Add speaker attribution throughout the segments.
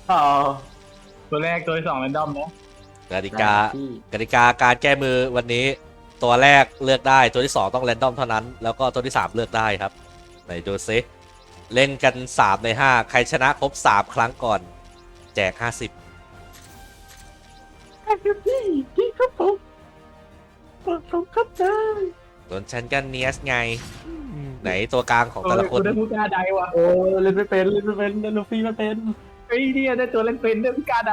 Speaker 1: อ๋อ
Speaker 2: ตัวแรกตัวที่สองแรนดอมนะ
Speaker 3: กติกาการแก้มือวันนี้ ตัวแรกเลือกได้ตัวที่2ต้องแรนดอมเท่านั้นแล้วก็ตัวที่3เลือกได้ครับไหนดูซิเล่นกัน3ใน5ใครชนะครบ3ครั้งก่อนแจก50
Speaker 1: พี่ครับผมครับได้
Speaker 3: ส่วนฉันก็เนียสไงไหนตัวกลางของแต่ละคน
Speaker 2: กูได้ผู้กล้าใดว่ะ
Speaker 1: โอ้เล่นไม่เป็นเล่นลูฟี่ไม่เป็น
Speaker 2: ไอ้เนี่ยได้ตัวเล่นเป็นได้ผู้กล้าใด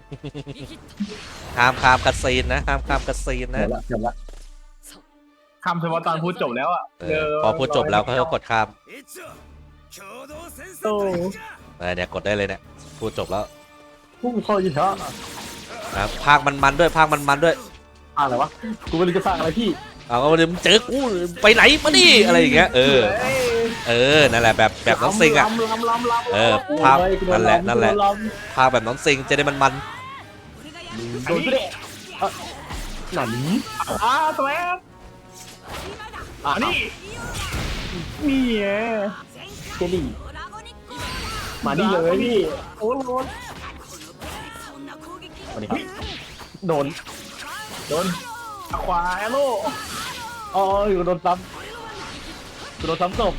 Speaker 3: ห้ามข้ามคัสซีนนะห้ามข้ามคัสซีนนะ
Speaker 1: เดี๋ยวละ
Speaker 2: คำเฉพาะตอนพูดจบแล้วอ่ะ
Speaker 3: พอพูดจบแล้วก็กดข้าม
Speaker 2: โอ้
Speaker 3: เนี่ยกดได้เลยเนี่ยพูดจบแล้ว
Speaker 1: พุ่งเข้าอีกแล้ว
Speaker 3: นะภาคมันด้วยภาคมันด้วย
Speaker 1: อะไรวะกูไม่รู้จะสร้างอะไรพี่
Speaker 3: เอาก็มาดิมึงเจอกูไปไหนมาดิอะไรอย่างเงี้ยนั่นแหละแบบน้องซิงอ่ะภาคนั่นแหละภาคแบบน้องซิงจะได้มัน
Speaker 1: โดนเด็หนัน
Speaker 2: ทำไมนี่นี่ไง
Speaker 1: เจลี่มานี่เลยพี่
Speaker 2: โอ้โห
Speaker 1: มาดิครับโดน
Speaker 2: ควาแอโร่
Speaker 1: อ๋ออยู่โดนซ้ำกูโดนซ้ำศพ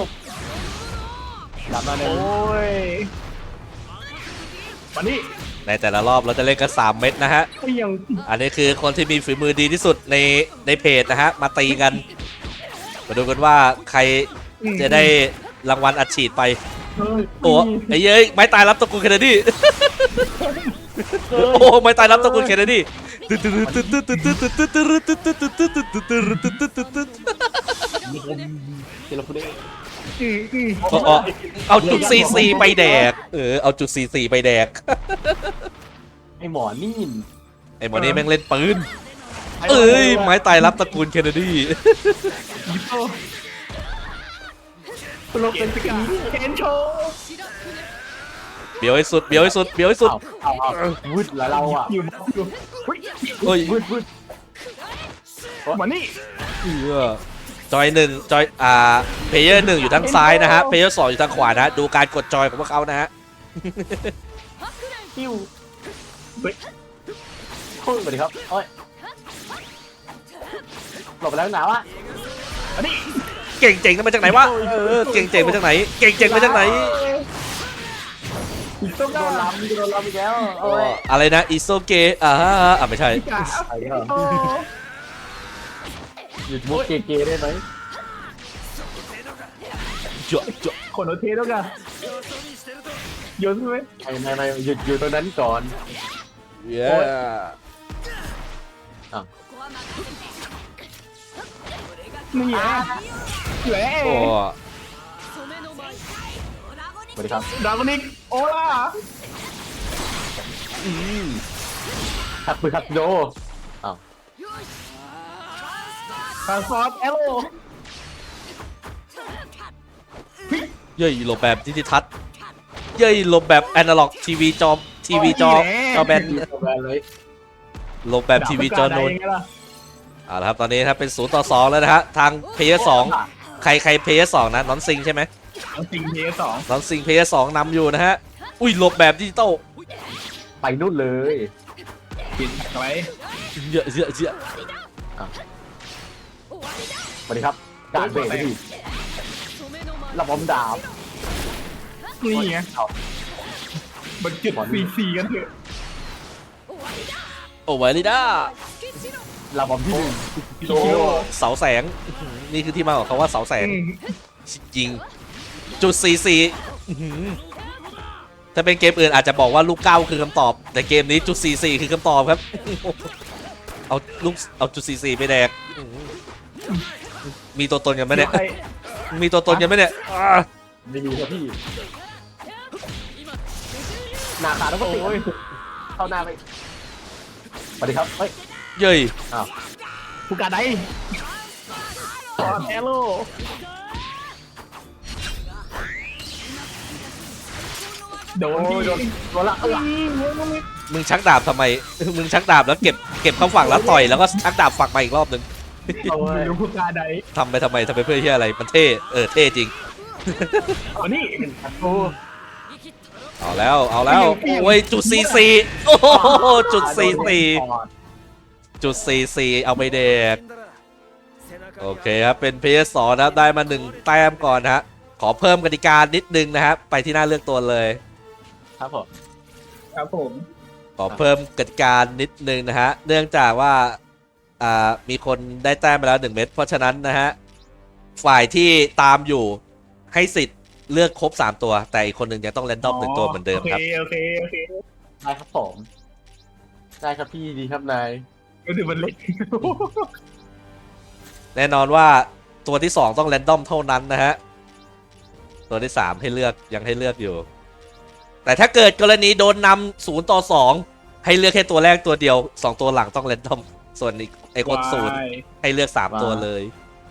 Speaker 1: ดับมาเลย
Speaker 2: โอ้ยมานี่
Speaker 3: ๆในแต่ละรอบเราจะเล่นกัน3เม็ดนะฮะ
Speaker 2: ไอ้ยัง
Speaker 3: อันนี้คือคนที่มีฝีมือดีที่สุดในเพจนะฮะมาตีกันมาดูกันว่าใครจะได้รางวัลอัดฉีดไปโอ้ไอ้เย้ยไม้ตายรับตระกูลเคนเนดีโอ้ไม้ตายรับตระกูลเคนเนดี
Speaker 1: เจลาฟูเด
Speaker 3: เอาจุด44ไปแดกเอาจุด44ไปแดก
Speaker 1: ไอหมอนี่
Speaker 3: ไอ้หมอนี่แม่งเล่นปืนไม้ตายรับตระกูลเคนเนดี
Speaker 1: โลกเป็นสกี
Speaker 2: เคนโช
Speaker 3: เบียวให้สุด
Speaker 1: เอาวืดแล้วเราอ่ะ
Speaker 2: อยู่
Speaker 3: เฮ้ยว
Speaker 1: ืด
Speaker 2: มานี่
Speaker 3: จอยหนึ่งจอยเพลเยอร์1อยู่ทางซ้ายนะฮะเพลเยอร์2อยู่ทางขวานะดูการกดจอยของพวกเขานะฮะ
Speaker 1: ติ้วโค้งไปดิครับโอ้ยหลบไปแล้วหนาวอ่ะ
Speaker 2: มานี่
Speaker 3: เก่งเจ๋งมาจากไหนวะเก่งเจ๋งมาจากไหนเก่งเจ๋งมาจากไหน
Speaker 2: ต้อง
Speaker 1: โดนล้ำอีกแล้วโอ้ย
Speaker 3: อะไรนะอิโซเกไม่ใช่
Speaker 2: กะ
Speaker 1: ไปเถอะหยุดมุกเกได้ไหม
Speaker 3: เจาะเจาะ
Speaker 2: คนโอเทต้องกันโยนใช่ไหม
Speaker 1: ไม่หยุดอยู่ตรงนั้นก่อน
Speaker 3: เย้
Speaker 2: นี่ไงแหละ
Speaker 3: โอ้
Speaker 1: สวัสดีครับ
Speaker 2: ดาวนิกโอล่า
Speaker 1: ขัดปืนขัดโด
Speaker 2: ทางฟอร์ดแอโร่
Speaker 3: เย้ยหลบแบบดิจิทัลเย้ยหลบแบบแอนาล็อกทีวีจอแบน
Speaker 1: เลย
Speaker 3: หลบแบบทีวีจอนูนเอาละครับตอนนี้ครับเป็น0-2แล้วนะฮะทางเพลเยอร์2ใครเพลเยอร์2นะน้องซิงใช่ไหม
Speaker 2: น้องซิงเพย์สอง
Speaker 3: น้องซิงเพลเยอร์2นำอยู่นะฮะอุ้ยหลบแบบดิจิตอล
Speaker 1: ไปนู่นเลย
Speaker 2: กินอะไร
Speaker 3: เยอะ
Speaker 1: สวัสดีครับการเบรกพี่ระบมดาบ
Speaker 2: นี่ไงมันจุดซีกันเถอะ
Speaker 3: โอ้ไวลิด้า
Speaker 1: ระบมที่หนึ่ง
Speaker 2: โอ้
Speaker 3: เสาแสงนี่คือที่มาของเขาว่าเสาแสงจริงจุด44ถ้าเป็นเกมอื่นอาจจะบอกว่าลูก9คือคำตอบแต่เกมนี้จุด44คือคำตอบครับเอาจุด44ไปแดกมีตัวตนกันไหมเนี่ยมีตัวตนกันไหมเนี่ย
Speaker 1: ไม่มีครับพี่หน้าขาต้องติดเข้าหน้าไปสวัสดีครับเฮ้ย
Speaker 3: เย้ย
Speaker 2: ผู้การไดฟอร์ดแอโร่ โดนพี่
Speaker 1: โดนละ
Speaker 3: มึงชักดาบทำไมมึงชักดาบแล้วเก็บเข้าฝั่งแล้วต่อยแล้วก็ชักดาบฝักมาอีกรอบหนึ่ง
Speaker 2: ไม่รู้ผู้การได
Speaker 3: ทำไปทำไมเพื่อที่อะไรมันเท่เท่จริง
Speaker 2: อ๋อนี่
Speaker 1: โอ้
Speaker 3: อ๋อเอาแล้วโอ้ยจุด44โอ้โหจุด44จุด44เอาไปเด็กโอเคครับเป็น PS2 นะครับได้มา1แต้มก่อนนะฮะขอเพิ่มกติกานิดนึงนะครับไปที่หน้าเลือกตัวเลย
Speaker 1: ครับผม
Speaker 2: ครับผม
Speaker 3: ขอเพิ่มกติกานิดนึงนะฮะเนื่องจากว่ามีคนได้แต้มไปแล้ว1เม็ดเพราะฉะนั้นนะฮะฝ่ายที่ตามอยู่ให้สิทธิ์เลือกครบ3ตัวแต่อีกคนหนึ่งยังต้องแรนดอม1ตัวเหมือนเดิมครับ
Speaker 2: โอเค
Speaker 1: ได้ครับผมได้ครับพี่ดีครับนาย
Speaker 2: ก็ถือมันเล็ก
Speaker 3: แน่นอนว่าตัวที่2ต้องแรนดอมเท่านั้นนะฮะตัวที่3ให้เลือกยังให้เลือกอยู่แต่ถ้าเกิดกรณีโดนนำ0-2ให้เลือกแค่ตัวแรกตัวเดียว2ตัวหลังต้องแรนดอมส่วนไอ้คน0ให้เลือก3ตัวเลย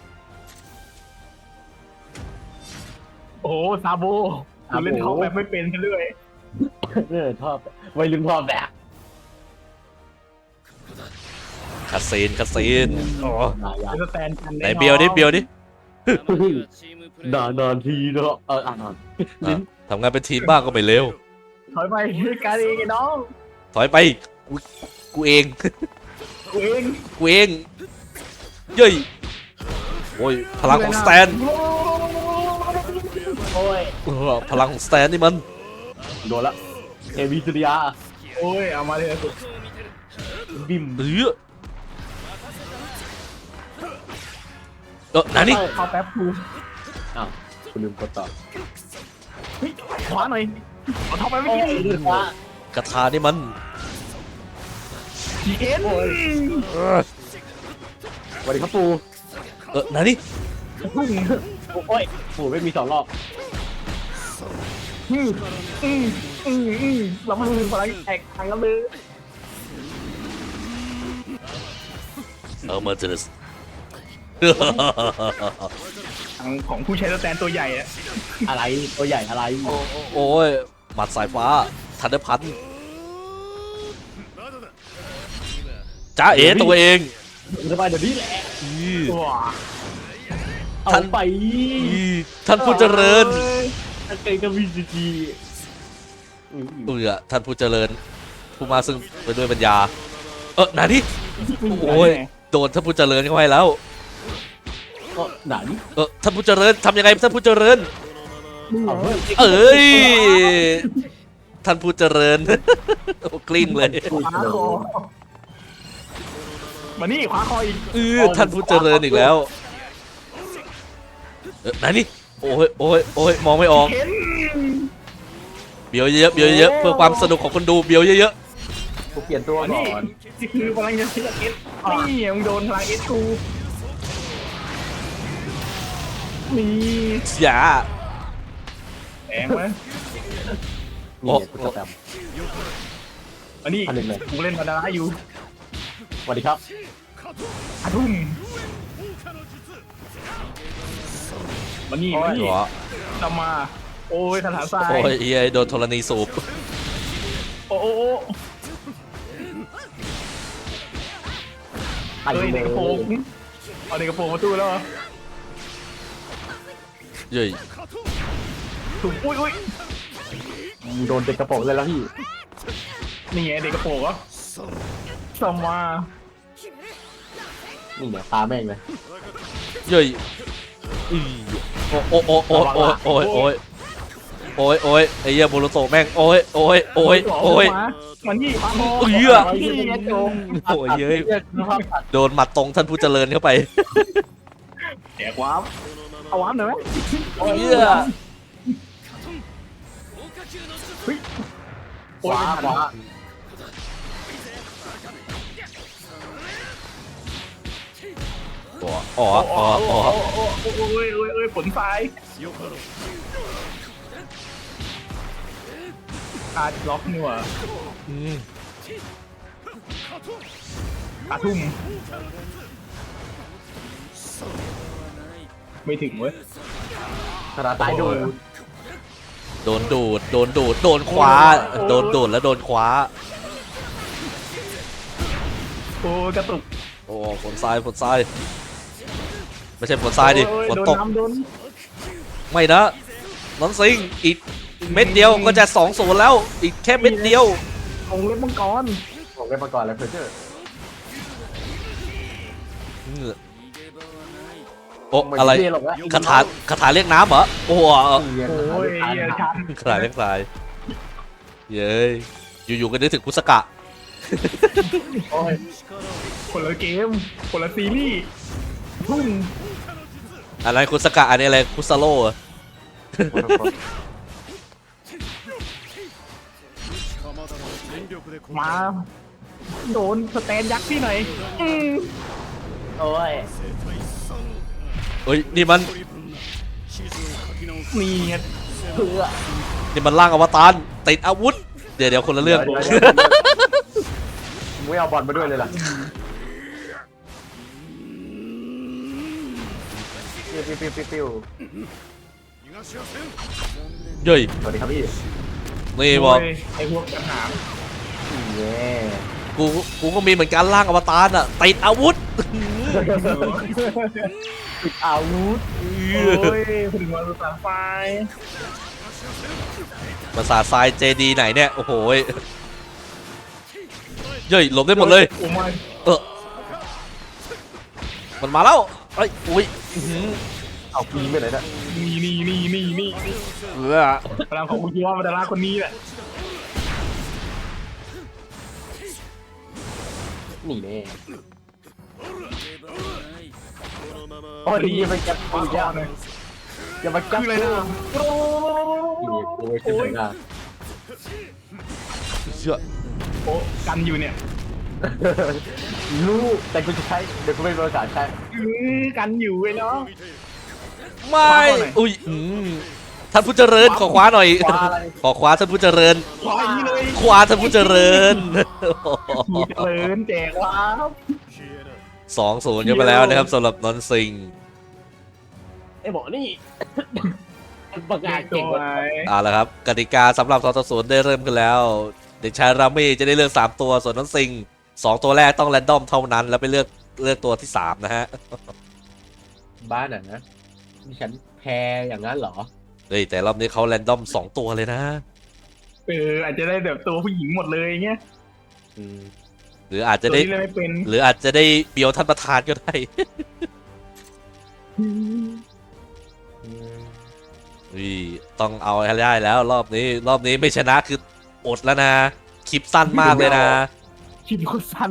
Speaker 2: โอ้ซาโบคุณเล่นท็อปแบบไม่เป็นกันเลย
Speaker 1: ชอบวัยรุ่นชอบแบบ
Speaker 3: คาซีนโอ้
Speaker 2: เป็นสแตนกัน
Speaker 3: ไหนเบียวดิ
Speaker 1: นานทีเนาะ
Speaker 3: ทำงานเป็นทีมบ้างก็ไม่เร็ว
Speaker 2: ถอยไปการเองไอ้น้อง
Speaker 3: ถอยไปกูเอง
Speaker 2: กูเอง
Speaker 3: เย้ยโอ้ยพลังของสแตน
Speaker 1: โอ้ย
Speaker 3: พลังของสแตนนี่มัน
Speaker 1: โดนละเอวีสุริยา
Speaker 2: โอ้ยเอามาเลยสุด
Speaker 1: บิม
Speaker 3: นั่นนี่
Speaker 2: เข้าแป๊บกู
Speaker 1: อ้าวคุณลืมกดต่อ
Speaker 2: เฮ้ยขวาหน่อยเอาท็อปไปไม่
Speaker 1: โอ้ย
Speaker 2: กิน
Speaker 1: ลืมว่าก
Speaker 3: ระทานี่มัน
Speaker 2: ทีเอ็น
Speaker 1: สวัสดีครับปู
Speaker 3: นั่นนี่
Speaker 1: โอ้ยปูไม่มี2 รอบ
Speaker 2: เรามาดูพลังแอกทางกันเลย
Speaker 3: มาเจอ
Speaker 2: ทางของผู้ใช้สแตนตัวใหญ่อะ
Speaker 1: อะไรตัวใหญ่อะไร
Speaker 3: โอ้ยหมัดสายฟ้าทันเดอร์พันจ้าเอ๋ตัวเอง
Speaker 1: สบายเดี๋ยวนี้แหละ
Speaker 2: ว้า
Speaker 1: เอาไป
Speaker 3: ท่านผู้เจริญ
Speaker 1: ถ้าเกิดกับวีซีจี
Speaker 3: ท่านผู้เจริญผู้มาซึ่งไปด้วยปัญญาไหนนี่โอ้ยโดนท่านผู้เจริญเข้าไปแล้ว
Speaker 1: ก็หนัง
Speaker 3: ท่านผู้เจริญทำยังไงท่านผู้เจริญ
Speaker 1: เอาเพิ่ม
Speaker 3: เอ้ยท่านผู้เจริญ โอ้กลิ้งเลย
Speaker 2: ขวาคอมานี่ขวาคออีก
Speaker 3: ท่านผู้เจริญอีกแล้วไหนนี่โอ้ยมองไม่ออก
Speaker 2: เข็น
Speaker 3: เบียวเยอะเพื่อความสนุกของคนดูเบียวเยอะ
Speaker 1: กูเปลี่ยนตัว
Speaker 2: มา
Speaker 1: ก่
Speaker 2: นี่
Speaker 1: อน
Speaker 2: นี่คือพลังจะเสียเอสนี่มึงโดนพลังเอสกูนี่
Speaker 3: ๆอย่า
Speaker 2: แรงไหม
Speaker 1: นี่กูจะแปม
Speaker 2: อันนี้
Speaker 1: อันหนึ่งเลย
Speaker 2: กูเล่นมาดาราอยู่
Speaker 1: สวัสดีครับ
Speaker 2: อาทุ่มมานี่
Speaker 3: หัว
Speaker 2: นำมาโอ้ยคาถาทราย
Speaker 3: โอ้ยเอ้ยโดนธรณีสูบ
Speaker 2: โอ้เอ้ยเด็กกระโปรงเอาเด็กกระโปรงมาตู้แล้ว
Speaker 3: เย้ย
Speaker 2: ถูกอุ้ย
Speaker 1: โดนเด็กกระโปรงเลยแล้วพี่
Speaker 2: นี่ไงเด็กกระโปรงเหรอสมา
Speaker 1: นี่เนี่ยตาแม่งเลย
Speaker 3: เย้ยโอ้ยไอ้เหี้ยโบโลโตแม่งโอ้ย
Speaker 2: มันนี่ปาโม
Speaker 3: นี่ไงโจ
Speaker 2: ง
Speaker 3: โอ้ยเย้ยโดนหมัดตรงท่านผู้เจริญเข้าไป
Speaker 2: แดกวาร์ปเอาวาร์ปหน่อยไหม
Speaker 3: เหี้ย
Speaker 2: โอ้ย
Speaker 1: ขวา
Speaker 3: อ๋อ
Speaker 2: โอ้ยผลทรายคาดล็อกนี่หว่าอาทุ่มไม่ถึงเว้ย
Speaker 1: คาราตายโดน
Speaker 3: โดนดูดโดนคว้าโดนดูดแล้วโดนคว้า
Speaker 2: โอ้กระตุก
Speaker 3: โอ้ฝนทรายไม่ใช่ฝนทรายดิฝนตก
Speaker 2: โดน
Speaker 3: ไม่นะน้องซิงอีกเม็ดเดียวก็จะ2-0แล้วอีกแค่เม็ดเดียว
Speaker 2: องเล็บมังกร
Speaker 1: ผมเล่นมาก่อนแล้วเพอร์เจอร์
Speaker 3: โอ้อะไร
Speaker 1: ม่ด้หรอกนะ
Speaker 3: คาถาเรียกน้ำเหรอโอ้โห
Speaker 1: เรียน
Speaker 2: โอ้ย
Speaker 1: ทาน
Speaker 2: ชัน
Speaker 3: คาถาเรียกทรายเย้ยอยู่ๆก็นึกถึงคุสกะ
Speaker 1: โอ้ย
Speaker 2: คนละเกมคนละซีรีส์ทุ่ม
Speaker 3: อันนั้นคุสกะอันนี้อะไรคุซาโร่เหรอ
Speaker 2: มาโดนสแตนยักษ์พี่หน่อย
Speaker 1: โอ้ย
Speaker 3: เฮ้ยนี่มัน
Speaker 2: นี่ไง
Speaker 1: เพื่อ
Speaker 3: นี่มันร่างอวตารติดอาวุธเดี๋ยวคนละเรื่อง
Speaker 1: ไม่เอาบอลมาด้วยเลยล่ะปิ้ว
Speaker 3: เย้ย
Speaker 1: สวัสดีครับพี่
Speaker 3: นี่บอก
Speaker 2: โยไอ้พวกกระถาง
Speaker 1: เย้
Speaker 3: กูก็มีเหมือนกันร่างอวตารอ่ะติดอาวุธ
Speaker 1: ปิดอาวุธ
Speaker 2: โอ้ยถึงวันสุดท้ายไฟ
Speaker 3: ภาษาทรายเจดีไหนเนี่ยโอ้โหยเย้ยหลบได้หมดเลย
Speaker 2: โอ้ไม่
Speaker 3: มันมาแล้วเอ้ยอุ้ยอื้อหือ
Speaker 1: เอาปีไปไหนนะ
Speaker 2: นี่พลังของอุจิวะมาดาราคนนี้แหละ
Speaker 1: นี่แน่โอ้ยอย่าไปจับกูอย่าอย่ามาจับ
Speaker 2: คืออะไรนะ
Speaker 1: นี่โอ้ยขึ้นเลยนะ
Speaker 3: เชื่อ
Speaker 2: โอ้กันอยู่เนี่ย
Speaker 1: รู้แต่กูจะใช้เดี๋ยวกูไม่มีภาษาใช้
Speaker 2: กันอยู่ไอ้น้อง
Speaker 3: ไม่อุ้ยท่านผู้เจริญขอคว้าหน่อย
Speaker 1: คว้าอะไร
Speaker 3: ขอคว้าท่านผู้เจริญ
Speaker 2: ขออย่างนี้เลย
Speaker 3: คว้าท่านผู้เจริญ
Speaker 2: มีเลินแจกว้าว
Speaker 3: 2-0กันไปแล้วนะครับสำหรับนนท์ซิง
Speaker 1: ไอ้หมอนี่ประกาศเก่งกว่า
Speaker 3: เอาละครับกติกาสำหรับ2-0ได้เริ่มกันแล้วเด็กชายรามี่จะได้เลือก3ตัวส่วนนนท์ซิง2ตัวแรกต้องแรนดอมเท่านั้นแล้วไปเลือกตัวที่3นะฮะ
Speaker 1: บ้านอ่ะนะดิฉันแพ้อย่างนั้นเหรอ
Speaker 3: เฮ้ยแต่รอบนี้เขาแรนดอม2ตัวเลยนะ
Speaker 2: อาจจะได้แบบตัวผู้หญิงหมดเลยเงี้ย
Speaker 3: หรืออาจจะ
Speaker 2: ตัว
Speaker 3: ได้
Speaker 2: ที่เล่นไม่เป็น
Speaker 3: หรืออาจจะได้เบียวท่านประธานก็ได้ ต้องเอาให้ได้แล้วรอบนี้ไม่ชนะคืออดแล้วนะคลิปสั้นมากเลยนะ
Speaker 2: คิดโคตรสั้น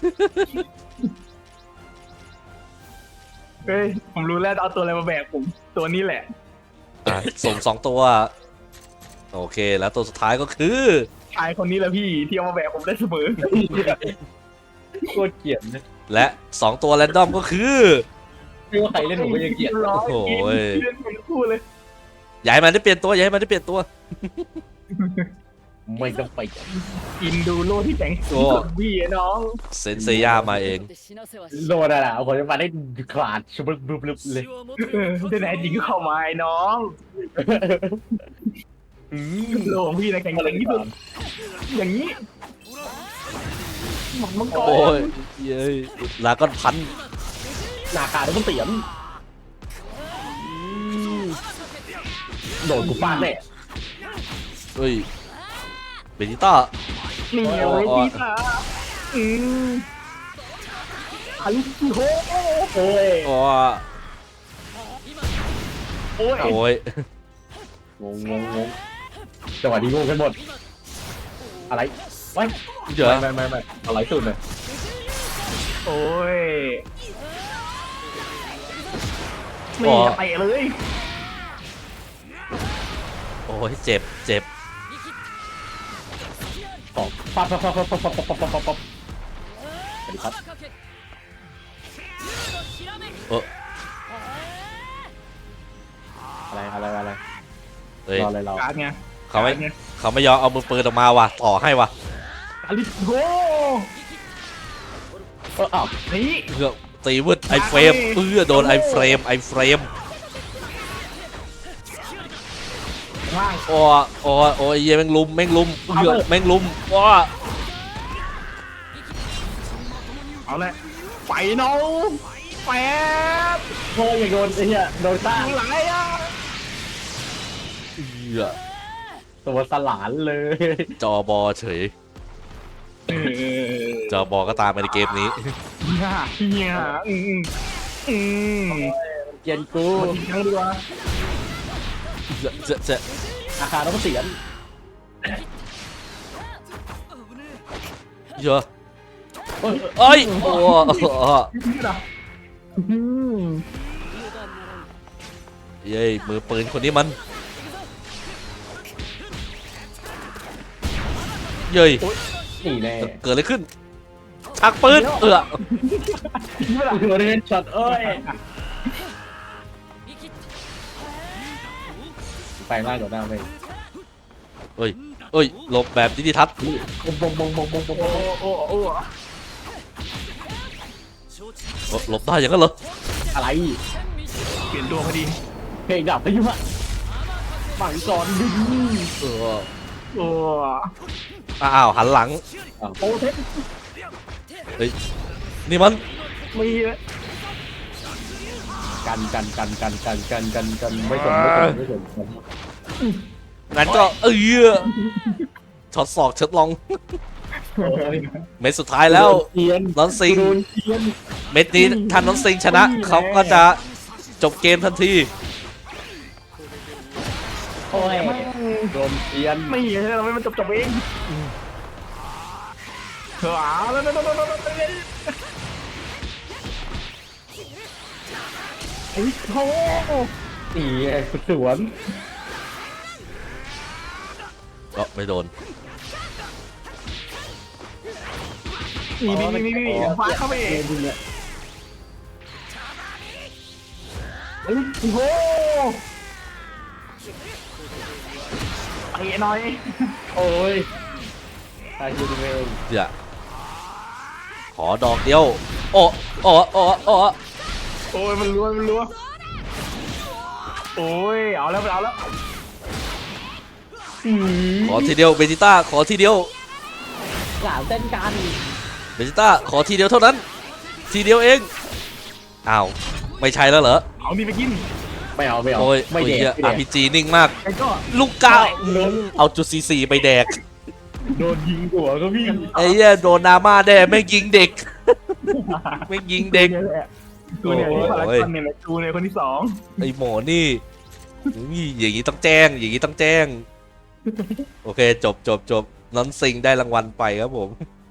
Speaker 2: เฮ้ยผมรู้แล้วเอาตัวอะไรมาแบกผมตัวนี้แหละ
Speaker 3: ส่ง2ตัวโอเคแล้วตัวสุดท้ายก็คือ
Speaker 2: ชายคนนี้แหละพี่ที่เอามาแบกผมได้เสมอ
Speaker 1: โคตรเกลียดนะ
Speaker 3: และ2ตัวแรนดอมก็คือ
Speaker 1: ไม่ว่าใครเล่นผมก็ยังเกลียด
Speaker 2: ร้อย
Speaker 3: โอ้โห
Speaker 2: เล่นเป็นคู่เลย
Speaker 3: ย้ายมันได้เปลี่ยนตัวย้ายมันได้เปลี่ยนตัว
Speaker 1: ไม่ต้องไป
Speaker 2: อินดูโลที่แต่ง
Speaker 3: โอ้
Speaker 2: สุดพี่ไอ้น้อง
Speaker 3: เซนเซียมาเอง
Speaker 1: โดนอะไรเอาคนจะมาได้ขาดชุบลุบเลย
Speaker 2: ที่ไหนจริงก็เข้ามาไอ้น้องโลของพี่นะแข่งอย่างนี้สุดอย่างนี้หมักมังกร
Speaker 3: โอ้ยเย้ยลาก้อนพัน
Speaker 1: หน้าขาดต้องเตียมโดนกูฟาดแน่
Speaker 3: เฮ้ยเบนิต้า
Speaker 2: นี่เอาไว้ที่ตาฮัลโหลโอ้ย
Speaker 3: โอ้
Speaker 2: โอ้ย
Speaker 3: โอ้ย
Speaker 1: งงจังหวะนี้งงกันหมดอะไรไว้
Speaker 3: เดี๋ยว
Speaker 1: ไม่อะไรสุดเลย
Speaker 2: โอ้ยนี่จะเตะเลย
Speaker 3: โอ้ยเจ็บ
Speaker 1: ตอบปั๊บสวัสดีครับ อะไร
Speaker 3: เฮ้ย
Speaker 1: รออะไรเรา
Speaker 2: การไง
Speaker 3: เขาไม่ยอมเอามือปืนออกมาว่ะต่อให้ว่ะ
Speaker 2: อาริโก
Speaker 1: อ้าว
Speaker 2: นี่
Speaker 3: เพื่อตีวืดไอเฟรมโดนไอเฟรม
Speaker 2: ว่าง
Speaker 3: โอ้ยเหี้ยแม่งลุมแม่งลุมว้า
Speaker 2: เอาละไปน้องแป๊บ
Speaker 1: โอ้ยอย่าโดนไอ้เหี้ยโดนต้า
Speaker 2: ไหลอ่ะ
Speaker 1: ตัวสลานเลย
Speaker 3: จอบอเฉย จอบอก็ตามมาในเกมนี้
Speaker 2: เฮียอืม
Speaker 1: เกียนกู
Speaker 2: มาอีกครั้งดีกว่า
Speaker 3: จะ
Speaker 1: อาคารต้องเสียน
Speaker 3: เยอะ
Speaker 1: เอ้ย
Speaker 3: เอ้ยโอ้
Speaker 2: นี่เหรออืม
Speaker 3: เย้ยมือปืนคนนี้มันเย้ย
Speaker 1: นี่แน่
Speaker 3: เกิดอะไรขึ้นชักปืน
Speaker 2: นี่เหรอ
Speaker 1: โดนเล่นช็อตเอ้ยไปล่างโดดหน้าไป
Speaker 3: เอ้ยเอ้ยหลบแบบดิจิทัศน์
Speaker 1: บงบงบงบงบงบง
Speaker 2: โอ้โอ้โอ้
Speaker 3: หลบได้อย่างนั้นเหรอ
Speaker 1: อะไร
Speaker 2: เปลี่ยนตัวพอดี
Speaker 1: เพลงดับไปยุ่งอะฝังก่อนดึง
Speaker 3: เออ
Speaker 2: โอ้
Speaker 3: อ้าวหันหลัง
Speaker 1: โอ้เทป
Speaker 3: เฮ้ยนี่มัน
Speaker 2: มีเลย
Speaker 1: กันไม่สนไม่สน
Speaker 3: งั้นก็ช็อตศอกช็อตลองเม็ดสุดท้ายแล้ว
Speaker 1: เทียน
Speaker 3: นอนซิง
Speaker 1: โดนเทียน
Speaker 3: เม็ดนี้ถ้านอนซิงชนะเขาก็จะจบเกมทันที
Speaker 1: โอ้ยโดนเทียน
Speaker 2: ไม่เห็นเราไม่มันจบเองเถอะแล้วไอ้โธ่
Speaker 1: นี่ไอ้สวน
Speaker 3: ก็ไม่โดน
Speaker 2: นี่ฟ้าเข้าไปเอง
Speaker 1: เนี่ย
Speaker 2: ไอ้โธ่ไอ้น้อย
Speaker 1: โอ้ยตายยูดิเมน
Speaker 3: เดี๋ยวขอดอกเดียว โอ้โอ้โอ้โอ้
Speaker 2: โอ้ยมันรัวโอ้ยเอาแล้ว
Speaker 3: ขอทีเดียวเบจิต้าขอทีเดียว
Speaker 1: หลานเต้นกัน
Speaker 3: เบจิต้าขอทีเดียวเท่านั้น ทีเดียวเองอ้าวไม่ใช่แล้วเหรอ
Speaker 2: เอานี่ไปกิน
Speaker 1: ไม่เอา
Speaker 3: โอ้ย
Speaker 1: ไม่
Speaker 3: โอ้ย
Speaker 1: เด็ก
Speaker 3: RPG นิ่งมาก
Speaker 2: ไอ้ก็
Speaker 3: ลูกกาเอาจุด44ไปแดก
Speaker 2: โดนยิงหัวก็พี่
Speaker 3: ไอ้เหี้ยโดนนาม่าแด่ไม่งยิงเด็ก ไม่งยิงเด็ก
Speaker 2: ตัวเนี่ยที่พารากอนเนี่ยแหละตัวเนี่ยคนที่สอง
Speaker 3: ไอ้หมอนี่อย่างนี้ต้องแจ้ง อย่างนี้ต้องแจ้ง โอเค จบนอนซิงได้รางวัลไปครับผม